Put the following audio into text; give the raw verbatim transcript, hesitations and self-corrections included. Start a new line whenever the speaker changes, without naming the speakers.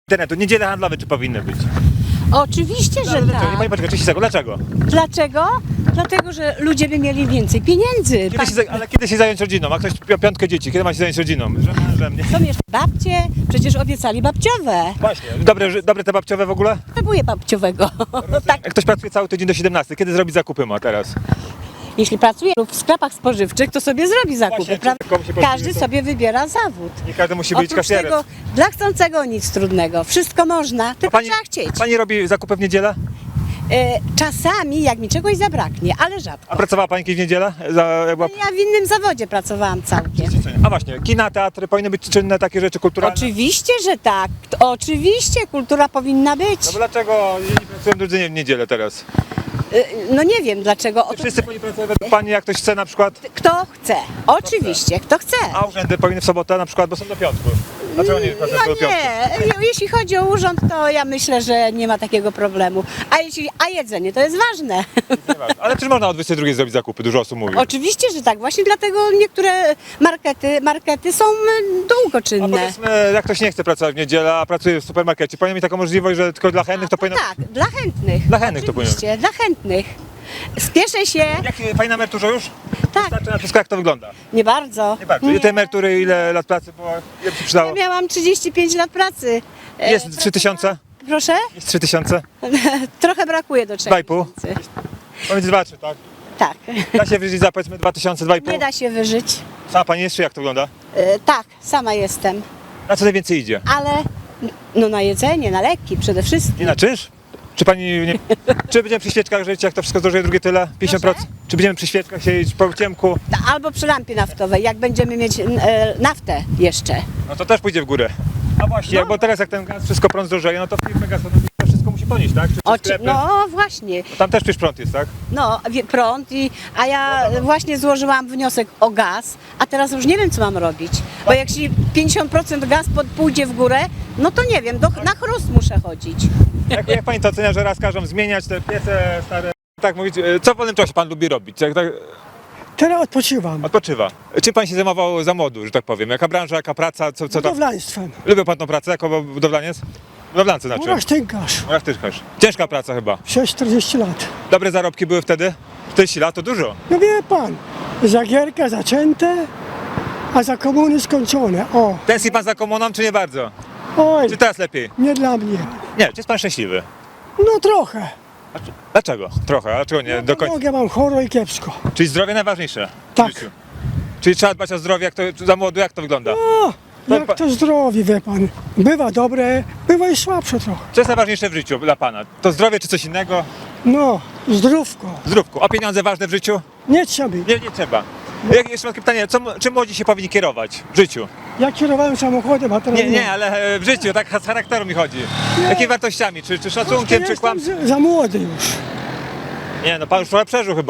internetu, niedziele handlowe czy powinny być?
Oczywiście, że
Ale dlaczego?
tak.
Nie, pani poczekaj, trzydzieści sekund, dlaczego?
Dlaczego? Dlatego, że ludzie by mieli więcej pieniędzy.
Kiedy się, za- ale kiedy się zająć rodziną? A ktoś pi- piątkę dzieci, kiedy ma się zająć rodziną? Że mężem, nie?
Są jeszcze babcie, przecież obiecali babciowe.
Właśnie. Dobre, że- dobre te babciowe w ogóle?
Potrzebuję babciowego. Tak,
Jak ktoś pracuje cały tydzień do siedemnastej, kiedy zrobi zakupy ma teraz?
jeśli pracuje lub w sklepach spożywczych, to sobie zrobi zakupy,
Właśnie,
prawda?
komu się podoba,
Każdy
to-
sobie wybiera zawód.
Nie każdy musi być
Oprócz
kasjerem.
tego, dla chcącego nic trudnego. Wszystko można, tylko
pani,
trzeba chcieć.
pani robi zakupy w niedzielę?
E, czasami, jak mi czegoś zabraknie, ale rzadko.
A pracowała pani kiedyś w niedzielę? Za, jak była...
Ja w innym zawodzie pracowałam całkiem.
A właśnie, kina, teatry, powinny być czynne takie rzeczy kulturalne?
Oczywiście, że tak. Oczywiście kultura powinna być.
No bo dlaczego nie pracują drudzy nie w niedzielę teraz?
E, No nie wiem dlaczego. O to,
Wszyscy powinni pracować według pani, jak ktoś chce na przykład,
kto chce? Oczywiście, kto chce.
a urzędy powinny w sobotę na przykład, bo są do piątku. Dlaczego nie pracują
No
do piątku?
nie, jeśli chodzi o urząd, to ja myślę, że nie ma takiego problemu. A, jeśli, a jedzenie to jest ważne.
Nie ważne. Ale czy można o dwudziestej drugiej zrobić zakupy? Dużo osób mówi.
Oczywiście, że tak. Właśnie dlatego niektóre markety, markety są mm,
A
długoczynne.
powiedzmy, jak ktoś nie chce pracować w niedzielę, a pracuje w supermarkecie, powinien mieć taką możliwość, że tylko dla chętnych to powinno...
Tak, dla chętnych.
Dla chętnych to powinno
Oczywiście, dla chętnych. Spieszę się.
Jak pani na emeryturze już?
Tak,
Wystarczy na wszystko, jak to wygląda?
nie bardzo.
Nie bardzo. I te emerytury, ile lat pracy było? Ile by się przydało?
Ja miałam trzydzieści pięć lat pracy. E,
Jest trzy tysiące?
Proszę?
Jest trzy tysiące?
Trochę brakuje do trzech
Dwa i pół?
tysięcy.
Powiedz dwa, trzy, tak?
Tak.
Da się wyżyć za powiedzmy dwa tysiące, dwa i pół?
Nie da się wyżyć.
Sama pani jest, czy jak to wygląda?
E, tak, sama jestem.
Na co najwięcej idzie?
Ale no na jedzenie, na leki przede wszystkim.
Nie na czynsz? Czy pani nie... Czy będziemy przy świeczkach żyć, jak to wszystko zdrożeje drugie tyle? pięćdziesiąt procent? Czy będziemy przy świeczkach siedzieć po ciemku?
Albo przy lampie naftowej, jak będziemy mieć e, naftę jeszcze.
No to też pójdzie w górę. A właśnie,
No.
bo teraz jak ten gaz, wszystko prąd zdrożeje, no to firmy gazowe to wszystko musi ponieść, tak? Czy, czy
Oczy,
sklepy?
no właśnie,
Bo tam też przecież prąd jest, tak?
no wie- prąd i, a ja właśnie złożyłam wniosek o gaz, a teraz już nie wiem co mam robić, bo jak się pięćdziesiąt procent gaz pod, pójdzie w górę, no to nie wiem, do, na chrust muszę chodzić.
Jak, jak pani to ocenia, że raz każą zmieniać te piece stare? Tak mówić, e, co w wolnym czasie pan lubi robić? Jak tak
Teraz odpoczywam.
odpoczywa? Czym pan się zajmował za młodu, że tak powiem? Jaka branża, jaka praca, co, co tam?
Budowlaństwem.
Lubił pan tą pracę jako budowlaniec? Budowlance znaczy.
Uraż tynkarz.
Jak ty też. Ciężka praca chyba.
sześć czterdzieści lat.
Dobre zarobki były wtedy? czterdzieści lat to dużo.
No wie pan, za gierka zaczęte, a za komuny skończone. O,
Tęskni pan za komuną, czy nie bardzo?
oj,
Czy teraz lepiej?
nie dla mnie.
Nie, czy jest pan szczęśliwy?
No trochę.
Dlaczego? Trochę, a dlaczego nie do końca?
Nogę mam choro i kiepsko.
Czyli zdrowie najważniejsze w
Tak.
życiu. Czyli trzeba dbać o zdrowie, jak to za młodu, jak to wygląda?
O,
To
jak
pa-
to zdrowie, wie pan. Bywa dobre, bywa i słabsze trochę.
Co jest najważniejsze w życiu dla pana? To zdrowie czy coś innego?
No, zdrówko.
Zdrówku. A pieniądze ważne w życiu?
Nie trzeba być.
Nie, nie trzeba. Jak, jeszcze mam takie pytanie, co, m- czym młodzi się powinni kierować w życiu?
Ja kierowałem samochodem, a teraz
Nie, nie, ale e, w życiu, tak z charakteru mi chodzi. Jakimi wartościami? Czy, czy szacunkiem, czy
Jestem
kłamstwem?
za, za młody już.
Nie, no pan już trochę przeżył chyba.